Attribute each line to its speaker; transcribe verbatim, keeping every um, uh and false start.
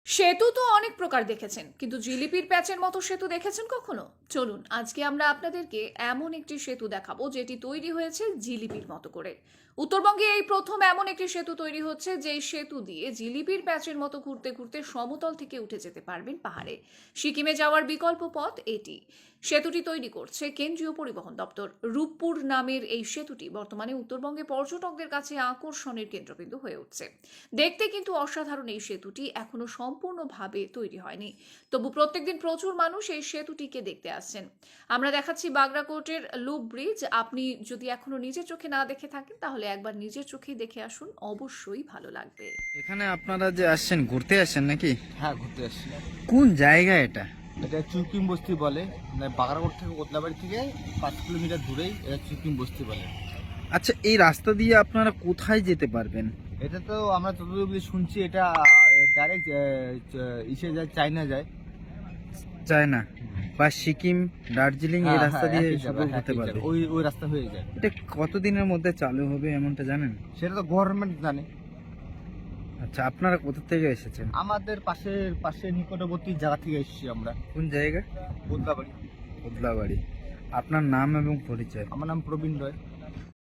Speaker 1: সেতু তো অনেক প্রকার দেখেছেন, কিন্তু জিলিপির প্যাচের মতো সেতু দেখেছেন কখনো? চলুন আজকে আমরা আপনাদেরকে এমন একটি সেতু দেখাবো যেটি তৈরি হয়েছে জিলিপির মতো করে। উত্তরবঙ্গে এই প্রথম এমন একটি সেতু তৈরি হচ্ছে, যেই সেতু দিয়ে জিলিপির প্যাচের মতো ঘুরতে ঘুরতে সমতল থেকে উঠে যেতে পারবেন পাহাড়ে। সিকিমে যাওয়ার বিকল্প পথ এটি। সেতুটি তৈরি করছে কেন্দ্রীয় পরিবহন দপ্তর। রূপপুর নামের এই সেতুটি বর্তমানে উত্তরবঙ্গে পর্যটকদের কাছে আকর্ষণের কেন্দ্রবিন্দু হয়ে উঠছে। দেখতে কিন্তু অসাধারণ এই সেতুটি এখনো সম্পূর্ণভাবে তৈরি হয়নি, তবু প্রত্যেকদিন প্রচুর মানুষ এই সেতুটিকে দেখতে আসছেন। আমরা দেখাচ্ছি বাগরাকোটের লুপ ব্রিজ। আপনি যদি এখনো নিজের চোখে না দেখে থাকেন, তাহলে একবার নিজের চোখেই দেখে আসুন, অবশ্যই ভালো লাগবে।
Speaker 2: এখানে আপনারা যে আসছেন, ঘুরতে আসছেন নাকি?
Speaker 3: হ্যাঁ, ঘুরতে আসছি।
Speaker 2: কোন জায়গা এটা?
Speaker 3: এটা চুকিম বস্তি বলে, মানে বাগারকোট থেকে কোতলাবাড়ি থেকে পাঁচ কিলোমিটার দূরেই এটা চুকিম বস্তি বলে।
Speaker 2: আচ্ছা, এই রাস্তা দিয়ে আপনারা কোথায় যেতে পারবেন?
Speaker 3: এটা তো আমরা যতদূর অবধি শুনছি এটা ডাইরেক্ট ইসে যায়, চায়না যায়।
Speaker 2: চায়না বা সিকিম, দার্জিলিং এই
Speaker 3: হ্যাঁ,
Speaker 2: রাস্তা
Speaker 3: হ্যাঁ,
Speaker 2: দিয়ে
Speaker 3: একই
Speaker 2: সব
Speaker 3: জায়গা,
Speaker 2: হতে
Speaker 3: একই
Speaker 2: পারবে।
Speaker 3: জায়গা। ওই ওই রাস্তা হয়ে যায়।
Speaker 2: এটা কতদিনের মধ্যে চালু হবে এমনটা জানেন?
Speaker 3: সেটা তো গভর্নমেন্ট জানে।
Speaker 2: আচ্ছা, আপনারা কোথা থেকে এসেছেন?
Speaker 3: আমাদের পাশের পাশের নিকটবর্তী জায়গা থেকে এসেছি আমরা,
Speaker 2: কোন জায়গা?
Speaker 3: কোতলাবাড়ি।
Speaker 2: কোদলাবাড়ি। আপনার নাম এবং পরিচয়?
Speaker 3: আমার নাম প্রবীণ রয়।